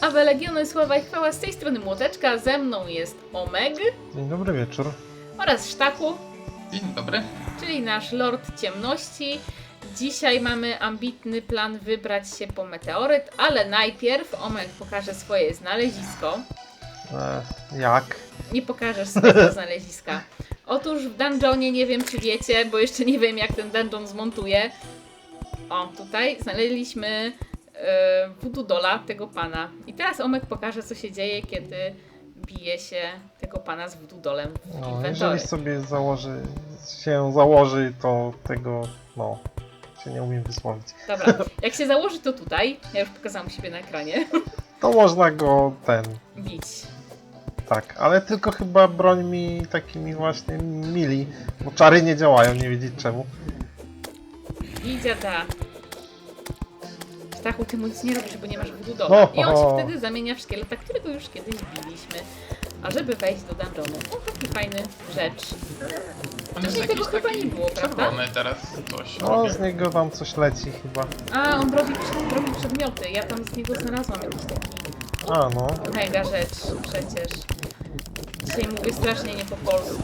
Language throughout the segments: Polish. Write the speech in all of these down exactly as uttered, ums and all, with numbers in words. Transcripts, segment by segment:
Awe Legiony, sława i chwała, z tej strony Młoteczka, ze mną jest Omeg. Dzień dobry wieczór. Oraz Sztaku, Dzień dobry. czyli nasz Lord Ciemności. Dzisiaj mamy ambitny plan wybrać się po meteoryt, ale najpierw Omeg pokaże swoje znalezisko. E, jak? Nie pokażesz swojego znaleziska. Otóż w dungeonie, nie wiem czy wiecie, bo jeszcze nie wiem jak ten dungeon zmontuję. O, tutaj znaleźliśmy e, voodoo dolla tego pana. I teraz Omek pokaże, co się dzieje, kiedy bije się tego pana z voodoo dollem w No, inwentory. jeżeli sobie założy, się założy, to tego, no, się nie umiem wysłowić. Dobra, jak się założy to tutaj, ja już pokazałam siebie na ekranie, To można go ten, bić. tak, ale tylko chyba broń mi takimi właśnie mili, bo czary nie działają, nie wiedzieć czemu. I dziada. Stachu, ty mu nic nie robisz, bo nie masz voodoo dolla. O, I on się o. wtedy zamienia w szkieleta, którego już kiedyś biliśmy. A żeby wejść do dungeonu, o taki fajny rzecz. On jest Wcześniej tego jakiś chyba taki nie było, prawda? czerwony teraz coś No, robi. z niego tam coś leci chyba. A, on robi, robi przedmioty. Ja tam z niego znalazłam jakiś taki A no, mega rzecz przecież. Dzisiaj mówię strasznie nie po polsku.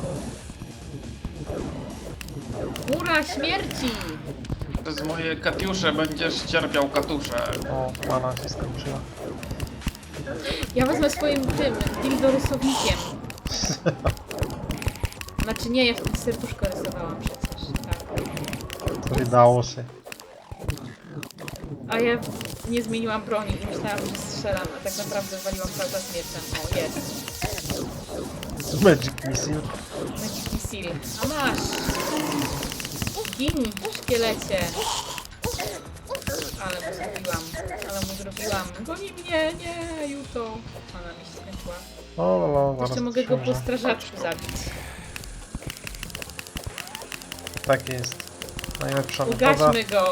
Mura śmierci! Przez moje katiusze będziesz cierpiał katusze. o, mana się skończyła. Ja wezmę swoim tym dildorysownikiem. Znaczy nie, ja wtedy serduszko rysowałam przecież. Tak. To wydało się. A ja nie zmieniłam broni i myślałam, że strzelam, a tak naprawdę waliłam cały czas mieczem. O, jest. Magic Missile. Magic Missile. A masz! Gin, szkielecie! Ale mu zrobiłam, ale mu zrobiłam. Goni mnie, nie, Juto! Ona mi się skończyła. O, no, no, zaraz Jeszcze mogę go po książę. strażaczku zabić. Tak jest. Najlepsza metoda. Ugaśmy go!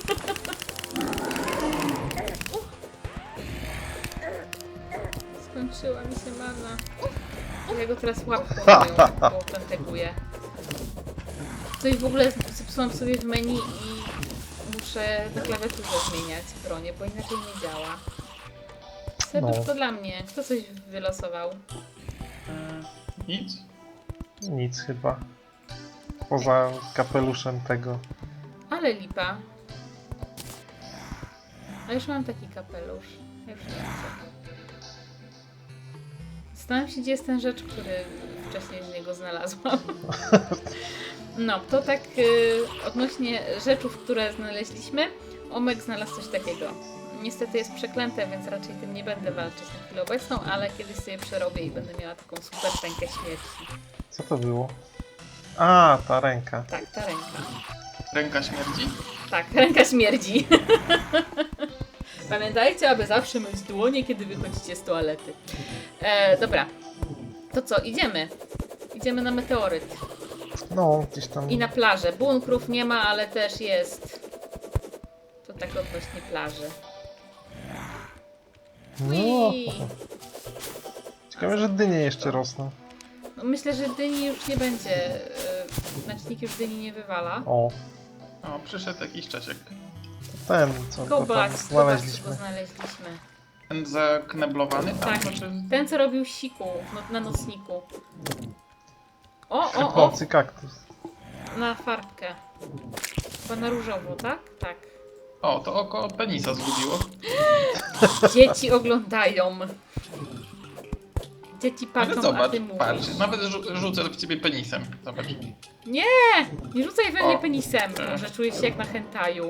Skończyła mi się mana. Ja go teraz łapką moją popenteguję. Coś w ogóle zepsułam sobie w menu i muszę na klawiaturze zmieniać bronię, bo inaczej nie działa. Serduszko No. dla mnie. Kto coś wylosował? Nic. Nic chyba. Poza kapeluszem tego. Ale lipa. A już mam taki kapelusz. Ja już nie chcę. Zastanawiam się, gdzie jest ten rzecz, który wcześniej z niego znalazłam. No, to tak y, odnośnie rzeczów, które znaleźliśmy. Omek znalazł coś takiego. Niestety jest przeklęte, więc raczej tym nie będę walczyć na chwilę obecną, ale kiedyś sobie przerobię i będę miała taką super rękę śmierci. Co to było? A, ta ręka. Tak, ta ręka. Ręka śmierdzi? Tak, ręka śmierdzi. Pamiętajcie, aby zawsze myć dłonie, kiedy wychodzicie z toalety. E, dobra. To co, idziemy. Idziemy na meteoryt. No, gdzieś tam. I na plażę. Bunkrów nie ma, ale też jest. To tak odnośnie plaży. No. Ui. Ciekawe, że dynie jeszcze rosną. No, myślę, że dyni już nie będzie. E, znacznik już dyni nie wywala. O, O, przyszedł jakiś Czesiek. ten, co go tam Kobas, kobas, co go znaleźliśmy. znaleźliśmy. Ten zakneblowany? Tak, Tam, znaczy... ten co robił siku no, na nocniku. O, o, o! Chybący kaktus. Na farbkę. Chyba na różowo, tak? Tak. O, to oko penisa zgubiło. Dzieci oglądają. Dzieci Ale patrzą, a zobacz, ty mówisz. patrz. Nawet rzu- rzucę w ciebie penisem. Zobacz. Nie! Nie rzucaj we mnie O. penisem. Może czuję się jak na hentaju.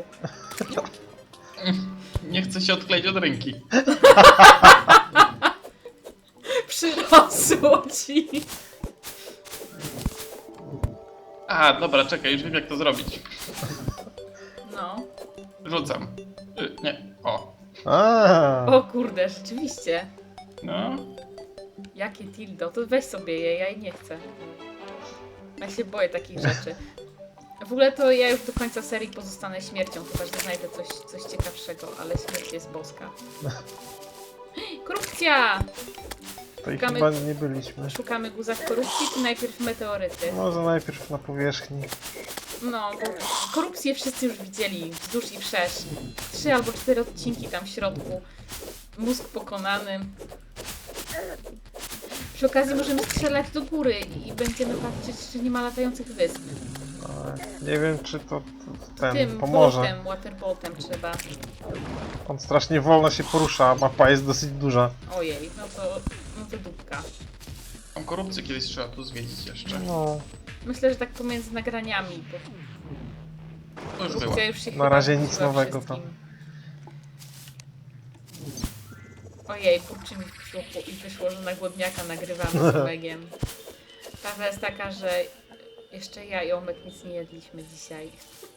Nie chcę się odkleić od ręki. Przyrosło ci. A, dobra, czekaj, już wiem jak to zrobić. No. Rzucam. Y, nie, o. A, O kurde, rzeczywiście. No. Jakie dildo. To weź sobie je, ja jej nie chcę. Ja się boję takich rzeczy. W ogóle to ja już do końca serii pozostanę śmiercią, chyba że znajdę coś, coś ciekawszego, ale śmierć jest boska. Korupcja! to ich Szukamy- chyba nie byliśmy. Szukamy guza w korupcji, czy najpierw meteoryty? Może najpierw na powierzchni. No, bo korupcję wszyscy już widzieli, wzdłuż i wszerz. Trzy albo cztery odcinki tam w środku. mózg pokonany. Przy okazji możemy strzelać do góry i będziemy patrzeć, czy nie ma latających wysp. Ale nie wiem, czy to, to ten Tym pomoże. boltem, waterboltem trzeba. On strasznie wolno się porusza, a mapa jest dosyć duża. Ojej, no to, no to dupka. Tą korupcję kiedyś trzeba tu zwiedzić jeszcze. No, Myślę, że tak pomiędzy nagraniami, bo To już było. korupcja już się Na chyba razie nic znudziła nowego wszystkim. tam. Ojej, kurczę mi wyszło, i wyszło, że na głodniaka nagrywamy z Omegiem. Prawda jest taka, że jeszcze ja i Omek nic nie jedliśmy dzisiaj.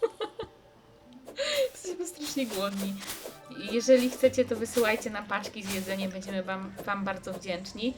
Jesteśmy strasznie głodni. I jeżeli chcecie, to wysyłajcie nam paczki z jedzeniem, będziemy wam, wam bardzo wdzięczni.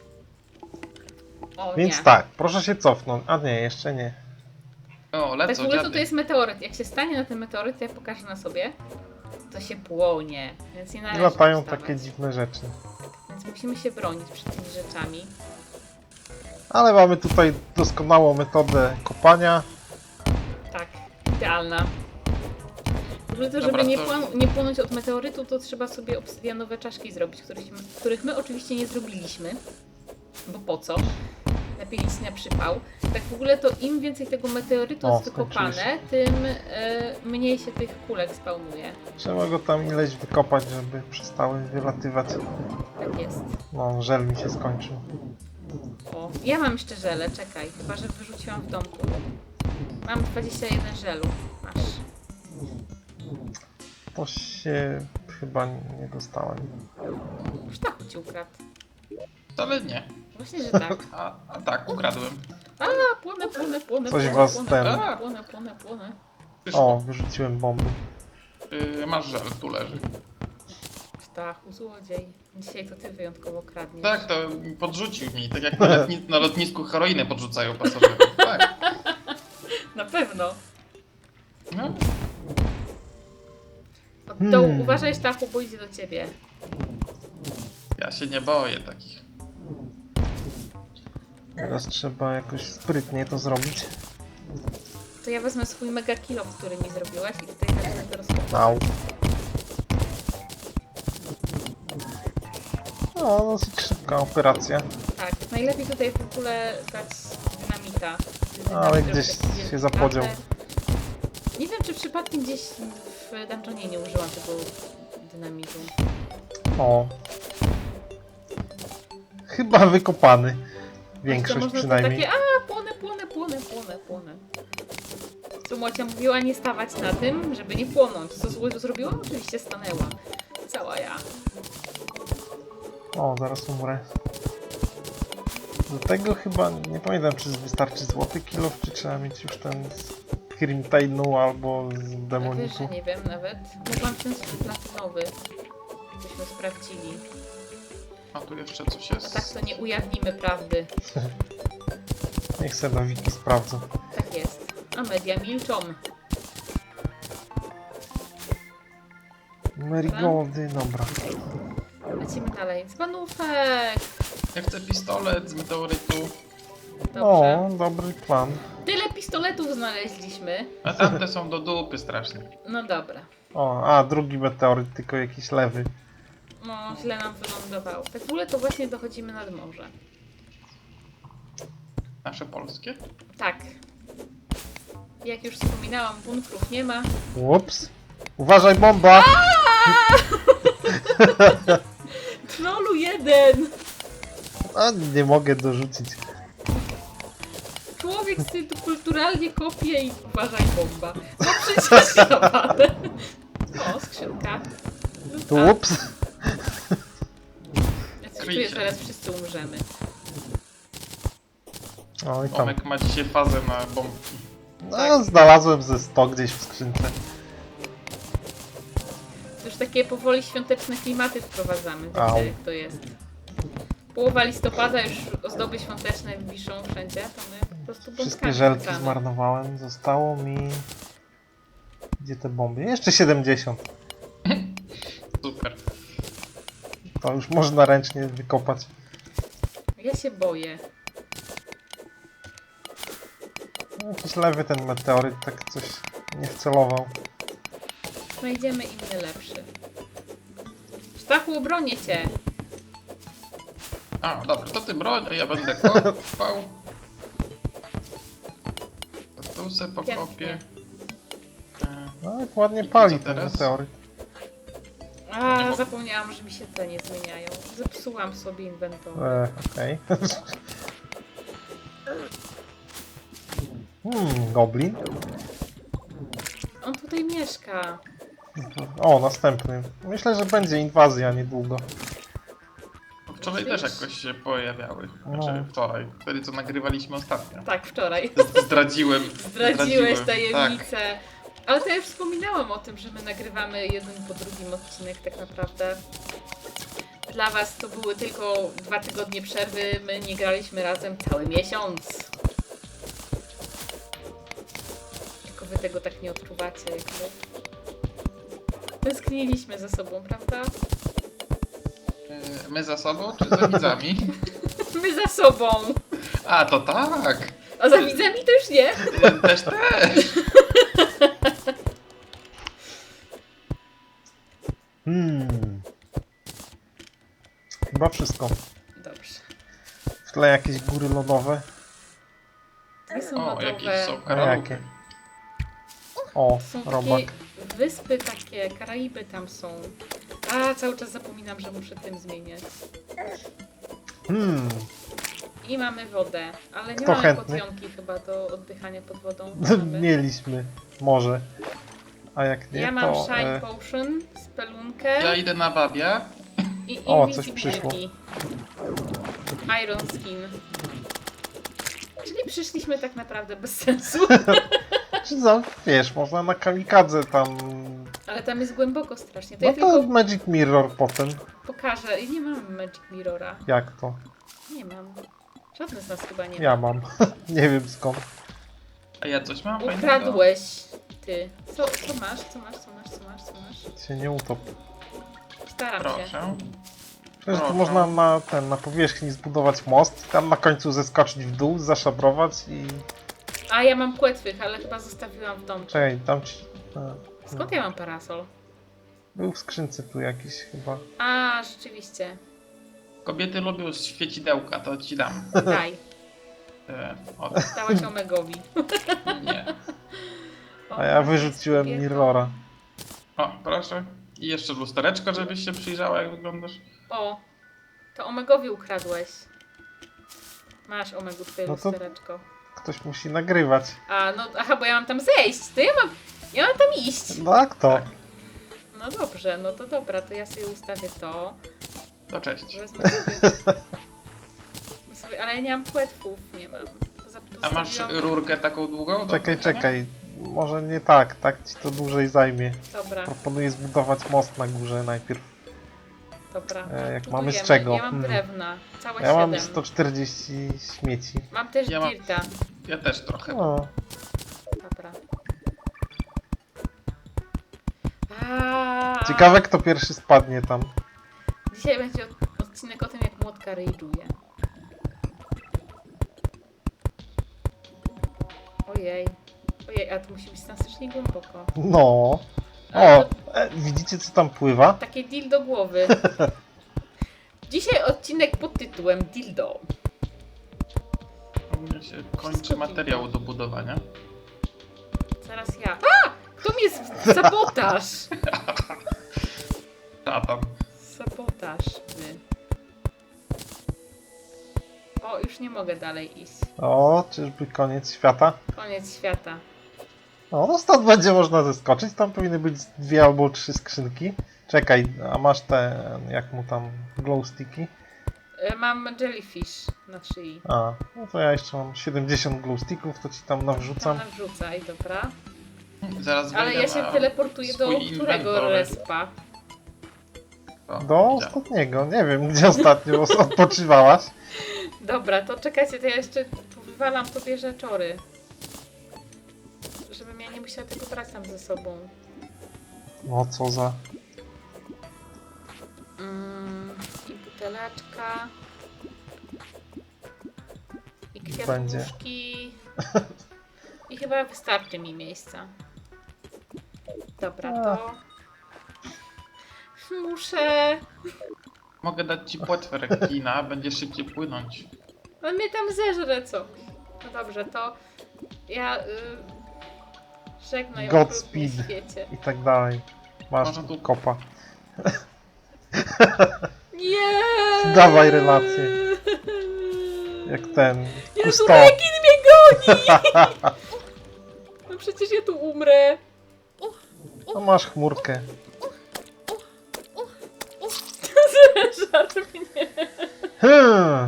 O Więc nie. tak, proszę się cofnąć. A nie, jeszcze nie. O, Tak w lecą ogóle to, dziady. to jest meteoryt. Jak się stanie na ten meteoryt, to ja pokażę na sobie, to się płonie. Więc nie I należy latają wstawać. takie dziwne rzeczy. Więc musimy się bronić przed tymi rzeczami. Ale mamy tutaj doskonałą metodę kopania. Tak, idealna. W ogóle to, żeby Dobra, nie, to- płon- nie płonąć od meteorytu, to trzeba sobie obsydianowe czaszki zrobić, których, których my oczywiście nie zrobiliśmy. Bo po co? Lepiej nic na przypał. Tak w ogóle to im więcej tego meteorytu O, jest wykopane, skończyłeś. tym e, mniej się tych kulek spawnuje. Trzeba go tam ileś wykopać, żeby przestały wylatywać. Tak jest. No, żel mi się skończył. O, ja mam jeszcze żele, czekaj, chyba że wyrzuciłam w domku. Mam dwadzieścia jeden żelu. Masz. To się chyba nie dostałem. Sztachu ci ukradł. Wcale nie. Właśnie, że tak. A, a tak, ukradłem. A, płonę, płonę, płonę, Coś płonę, was płonę, ten- płonę, płonę, płonę, płonę. Przyszło. O, wyrzuciłem bomby. Yy, masz żel, tu leży. Sztachu, złodziej. Dzisiaj to ty wyjątkowo kradniesz. Tak, to podrzucił mi, tak jak na, lotni na lotnisku heroinę podrzucają pasażerom. Tak. Na pewno. No. Od dołu, Hmm. uważaj Sztachu, bo idzie do ciebie. Ja się nie boję takich. Teraz trzeba jakoś sprytnie to zrobić. To ja wezmę swój mega kilo, który mi zrobiłaś i tutaj zacznę to rozkopać. Au. No, dosyć szybka operacja. Tak, najlepiej tutaj w ogóle dać dynamita. Ale Dynamit gdzieś robi taki się wielki zapodział. krater. Nie wiem, czy przypadkiem gdzieś w dungeonie nie użyłam tego dynamitu. O. Chyba wykopany. To Większość można przynajmniej. To takie, a płonę, płonę, płonę, płonę, płonę. Co Mocia mówiła, nie stawać na tym, żeby nie płonąć. Co zło zrobiła? Oczywiście stanęła. Cała ja. O, zaraz umrę. Do tego chyba, nie pamiętam czy wystarczy złoty kilof, czy trzeba mieć już ten z Crimtainu albo z Wiesz, że demoniku. nie wiem nawet. Mogłam ten platynowy. Byśmy sprawdzili. A tu jeszcze coś jest. A tak to nie ujawnimy prawdy. Niech se na wiki sprawdzą. Tak jest. A media milczą. Marigoldy, dobra. Lecimy dalej. Dzbanówek! Ja chcę pistolet z meteorytu. Dobrze. O, dobry plan. Tyle pistoletów znaleźliśmy. A tamte są do dupy strasznie. No dobra. O, a drugi meteoryt, tylko jakiś lewy. No, źle nam wylądował. Tak w ogóle to właśnie dochodzimy nad morze. Nasze polskie? Tak. Jak już wspominałam, bunkrów nie ma. Ups. Uważaj, bomba! Trollu jeden! A, nie mogę dorzucić. Człowiek sobie tu kulturalnie kopie i uważaj bomba. No przecież naprawdę. O, skrzynka. Tu, A, ups. ja coś czuję, że zaraz wszyscy umrzemy. O, i tam. Tomek ma dzisiaj fazę na bombki. No, znalazłem ze sto gdzieś w skrzynce. Już takie powoli świąteczne klimaty wprowadzamy. Au. Wiecie, jak to jest. Połowa listopada, już ozdoby świąteczne wiszą wszędzie, to my po prostu bombkami Wszystkie żelki rzucamy. zmarnowałem. Zostało mi... Gdzie te bomby? Jeszcze siedemdziesiąt. Super. To już można ręcznie wykopać. Ja się boję. Jakiś lewy ten meteoryt tak coś nie wcelował. Znajdziemy inny lepszy. Stachu, bronię cię. A, dobra, to ty broń, a ja będę kopał. To tu se pokopię. E, No jak ładnie I pali co ten teraz? meteoryt. A, zapomniałam, że mi się te nie zmieniają. Zepsułam sobie inwentory. E, okej. Hmm, goblin. On tutaj mieszka. O, następny. Myślę, że będzie inwazja niedługo. Wczoraj też jakoś się pojawiały. Znaczy No. wczoraj, wtedy co nagrywaliśmy ostatnio. Tak, wczoraj. Zdradziłem. Zdradziłeś zdradziłem, Tak. tajemnicę. Ale to ja już wspominałam o tym, że my nagrywamy jeden po drugim odcinek tak naprawdę. Dla was to były tylko dwa tygodnie przerwy, my nie graliśmy razem cały miesiąc. Tylko wy tego tak nie odczuwacie jakby. Tęskniliśmy ze sobą, prawda? E, My za sobą czy za widzami? My za sobą! A, to tak! A za widzami to już nie. E, Też, też! Hmm. Chyba wszystko. Dobrze. W tle jakieś góry lodowe. Nie są O, jakieś lodowe. są A karaluchy. jakie? O, Są robak. takie wyspy takie, Karaiby tam są. A, cały czas zapominam, że muszę tym zmieniać. Hmm. I mamy wodę, ale nie Kto mamy chętny? potionki chyba do oddychania pod wodą. Mamy. Mieliśmy. Może. A jak nie, Ja mam to... Shine E, Potion, spelunkę Ja idę na babia. i O, coś przyszło. Invisibility. Iron Skin. Czyli przyszliśmy tak naprawdę bez sensu. czy za, wiesz, można na kamikadze tam... Ale tam jest głęboko strasznie. To No ja to tylko Magic Mirror potem. pokażę. I nie mam Magic Mirrora. Jak to? Nie mam. Żadny z nas chyba nie ma. Ja mam. Nie wiem skąd. A ja coś mam fajnego. Ukradłeś ty. Co, co masz? Co masz? Co masz? Co masz? Co masz? Się nie utop. Staram się. Proszę. Przecież tu Proszę. można na, ten, na powierzchni zbudować most, tam na końcu zeskoczyć w dół, zaszabrować i... A ja mam płetwych, ale chyba zostawiłam w domu. Czekaj, tam ci... A, Skąd ja mam parasol? był w skrzynce tu jakiś chyba. A, rzeczywiście. Kobiety lubią świecidełka, to ci dam. Daj. E, o, Dałaś Omegowi. nie. A ja wyrzuciłem Kobieta. Mirrora. O, proszę. I jeszcze lustereczko, żebyś się przyjrzała, jak wyglądasz. O, to Omegowi ukradłeś. Masz Omegu twoje No to- lustereczko. Ktoś musi nagrywać. A, no, aha, bo ja mam tam zejść. To ja mam, ja mam tam iść. No jak to? Tak. No dobrze, no to dobra, to ja sobie ustawię to. To cześć. Wezmę sobie, wezmę sobie, ale ja nie mam płetwów, nie mam. Zap- A masz zostawiłam- rurkę taką długą? do Czekaj, wrzucenia? czekaj. Może nie tak, tak ci to dłużej zajmie. Dobra, Proponuję zbudować most na górze najpierw. dobra. E, jak Tu mamy z budujemy. czego? Ja mam Hmm. drewna, całe Ja mam siedem. sto czterdzieści śmieci. Mam też Ja mam- dirta. Ja też trochę. O, Dobra. A, ciekawe kto pierwszy spadnie tam. Dzisiaj będzie od- odcinek o tym, jak młotka rage'uje. Ojej. Ojej, a to musi być strasznie głęboko. No. Ale O, e, widzicie co tam pływa? Takie dildo głowy. Dzisiaj odcinek pod tytułem Dildo. U mnie się kończy Wszystko materiał pięknie. do budowania. Zaraz ja. A! Kto mnie z... Sabotaż! Szatan. Sabotaż. Wy. O, już nie mogę dalej iść. O, czyżby koniec świata? Koniec świata. O, no stąd będzie można zeskoczyć. Tam powinny być dwie albo trzy skrzynki. Czekaj, a masz te, jak mu tam, glow sticky? E, Mam jellyfish na szyi. A, no to ja jeszcze mam siedemdziesiąt glow sticków, to ci tam nawrzucam. Tam wrzucaj, dobra. Zaraz Ale wejdę ja się na teleportuję do swój którego inwentory. respa? O, Do widziałem. ostatniego. Nie wiem, gdzie ostatnio odpoczywałaś. Dobra, to czekajcie, to ja jeszcze tu wywalam sobie rzeczory. Żebym ja nie musiała tego brać tam ze sobą. No co za... Mm, I buteleczka. I Będzie. kwiatuszki. I chyba wystarczy mi miejsca. Dobra, to... Muszę... Mogę dać ci płetwę rekina, będziesz szybciej płynąć. On mnie tam zeżre, co? No dobrze, to ja... Y... Żegnaj o Godspeed. świecie. I tak dalej. Masz Można tu- kopa. Nie! Dawaj relację. Jak ten. Jezu, Kusto. rekin mnie goni! No przecież ja tu umrę. No masz chmurkę. Żart mnie. Hmm.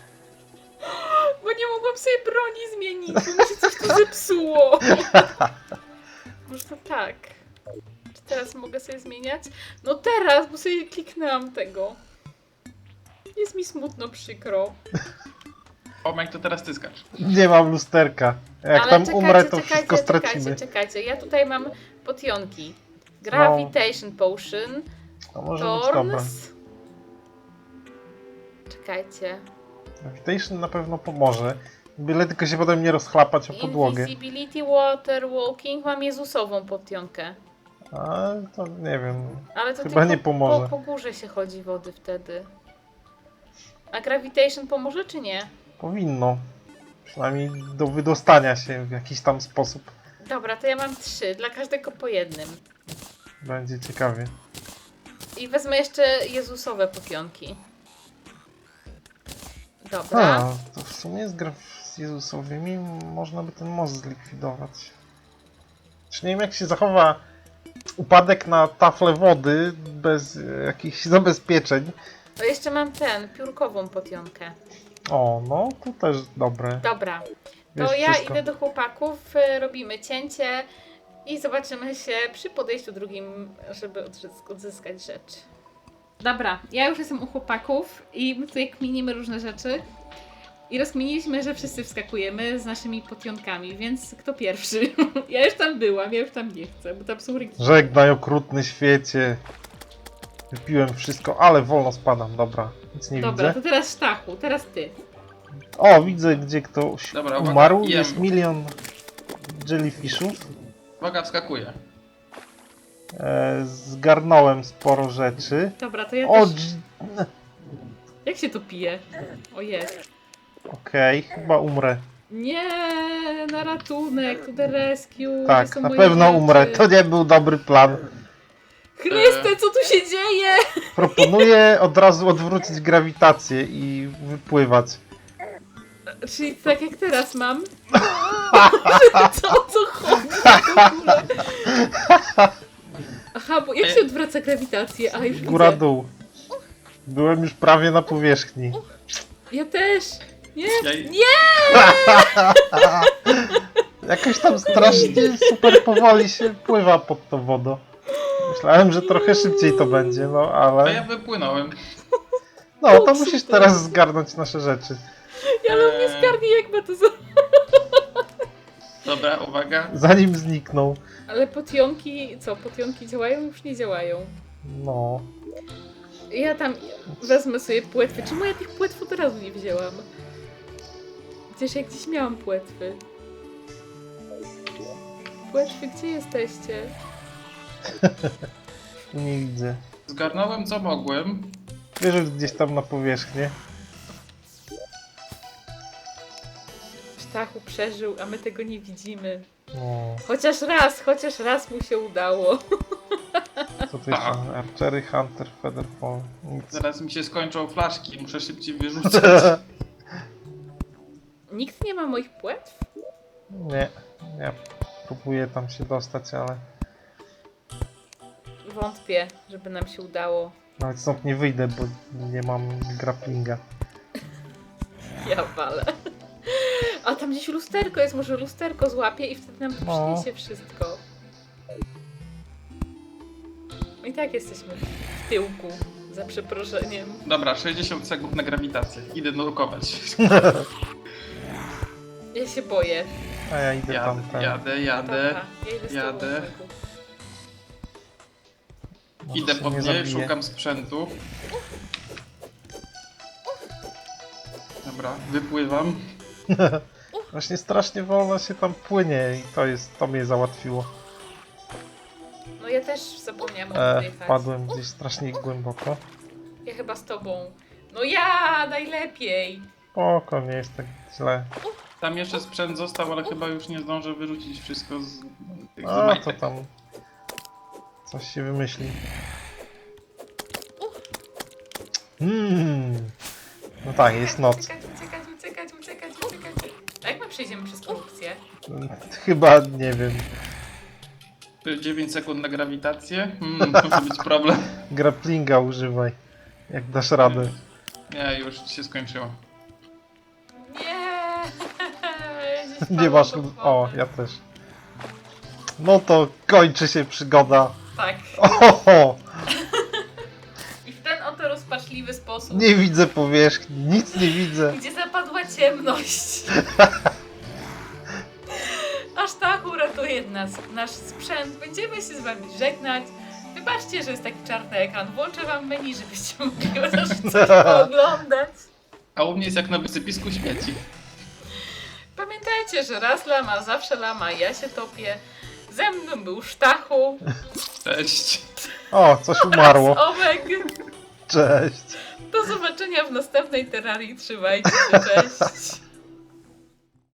Bo nie mogłam sobie broni zmienić, bo mi się coś tu zepsuło. Może to tak. Czy teraz mogę sobie zmieniać? No teraz, bo sobie kliknęłam tego. Jest mi smutno, przykro. Omek, to teraz ty skacz. Nie mam lusterka. Jak Ale tam czekajcie, umrę, to czekajcie, wszystko czekajcie, stracimy. czekajcie. Ja tutaj mam potionki. Gravitation Potion. To może być dobre. Thorns. Czekajcie. Gravitation na pewno pomoże. Byle tylko się potem nie rozchlapać o podłogę. Invisibility, Water Walking. Mam Jezusową potionkę. A to nie wiem. Ale to Chyba tylko nie pomoże. Po, po górze się chodzi wody wtedy. A Gravitation pomoże czy nie? Powinno. Przynajmniej do wydostania się w jakiś tam sposób. Dobra, to ja mam trzy. Dla każdego po jednym. Będzie ciekawie. I wezmę jeszcze Jezusowe potionki. Dobra. A, to w sumie z, graf- z Jezusowymi można by ten most zlikwidować. Czy nie wiem, jak się zachowa upadek na taflę wody bez e, jakichś zabezpieczeń. To jeszcze mam ten, piórkową potionkę. O, no to też dobre. Dobra. To Wiesz ja wszystko. idę do chłopaków, y, robimy cięcie i zobaczymy się przy podejściu drugim, żeby odzysk- odzyskać rzecz. Dobra, ja już jestem u chłopaków i my tutaj kminimy różne rzeczy. I rozkminiliśmy, że wszyscy wskakujemy z naszymi potionkami, więc kto pierwszy? Ja już tam byłam, ja już tam nie chcę, bo tam są rekiny. Żegnaj okrutny świecie. Wypiłem wszystko, ale wolno spadam. Dobra, nic nie Dobra, widzę. to teraz Sztachu, teraz ty. O, widzę, gdzie ktoś Dobra, uwaga, umarł. jem. Jest milion jellyfishów. Uwaga, wskakuję. E, zgarnąłem sporo rzeczy. Dobra, to ja O, też... dż- Jak się to pije? O jest. okej, chyba umrę. Nie, na ratunek, to the rescue. Tak, gdzie są na moje pewno rzeczy? umrę. To nie był dobry plan. Chryste, co tu się dzieje? Proponuję od razu odwrócić grawitację i wypływać. Czyli tak jak teraz mam? Co, o co chodzi w ogóle? Aha, bo jak się odwraca grawitację? A, już Góra widzę. dół. Byłem już prawie na powierzchni. Ja też. Nie, Ja... nie! Jakoś tam strasznie super powoli się pływa pod tą wodą. Myślałem, że trochę szybciej to będzie, no A ja ale... wypłynąłem. No, to musisz teraz zgarnąć nasze rzeczy. Ja mam nie zgarnie, jak ma to za... Dobra, uwaga. Zanim znikną. Ale potionki, co, potionki działają? Już nie działają. No. Ja tam wezmę sobie płetwy. Czemu ja tych płetw od razu nie wzięłam? Przecież ja gdzieś miałam płetwy. Płetwy, gdzie jesteście? Nie widzę. Zgarnąłem co mogłem. Wyrzuć gdzieś tam na powierzchnię. Sztachu przeżył, a my tego nie widzimy. No. Chociaż raz, chociaż raz mu się udało. Co to jest? Archery, Hunter, Featherfall. Nic. Zaraz mi się skończą flaszki, muszę szybciej wyrzucać. Nikt nie ma moich płetw? Nie. Ja próbuję tam się dostać, ale Wątpię, żeby nam się udało. nawet stąd nie wyjdę, bo nie mam grapplinga. Ja walę. A tam gdzieś lusterko jest, może lusterko złapie i wtedy nam to No. przyniesie wszystko. I tak jesteśmy w tyłku, za przeproszeniem. Dobra, sześćdziesiąt sekund na grawitację. Idę nurkować. Ja się boję. A ja idę tam Jadę, ten. jadę, jadę. Dobra, ja idę z tobą, jadę. Olegu. Może Idę się po nie mnie, zabiję. szukam sprzętu. Dobra, wypływam. Właśnie strasznie wolno się tam płynie i to jest, to mnie załatwiło. No ja ja też zapomniałam E, oddychać. wpadłem gdzieś strasznie głęboko. Ja chyba z tobą. No ja najlepiej. Spoko, nie jest tak źle. Tam jeszcze sprzęt został, ale chyba już nie zdążę wyrzucić wszystko z tych z A, to majtek. tam coś się wymyśli. Hmm. No tak, jest noc. Uciekać, uciekać, uciekać, uciekać, uciekać. A jak my przejdziemy przez korupcję? Chyba, nie wiem, dziewięć sekund na grawitację? Hmm, może być problem. grapplinga używaj, jak dasz radę. Nie, już się skończyło. Nie! Gdzieś Nie padłam masz... do O, wody. ja też. No to kończy się przygoda. Tak. Oho! I w ten oto rozpaczliwy sposób, Nie widzę powierzchni, nic nie widzę. gdzie zapadła ciemność. Aż tak uratuje nas nasz sprzęt. Będziemy się z wami żegnać. Wybaczcie, że jest taki czarny ekran. Włączę wam menu, żebyście mogli chociaż coś pooglądać. A u mnie jest jak na wysypisku śmieci. Pamiętajcie, że raz lama, zawsze lama, ja się topię. Ze mną był Sztachu, Cześć. O, coś umarło. Omek. Cześć. Do zobaczenia w następnej terrarii. Trzymajcie się, cześć.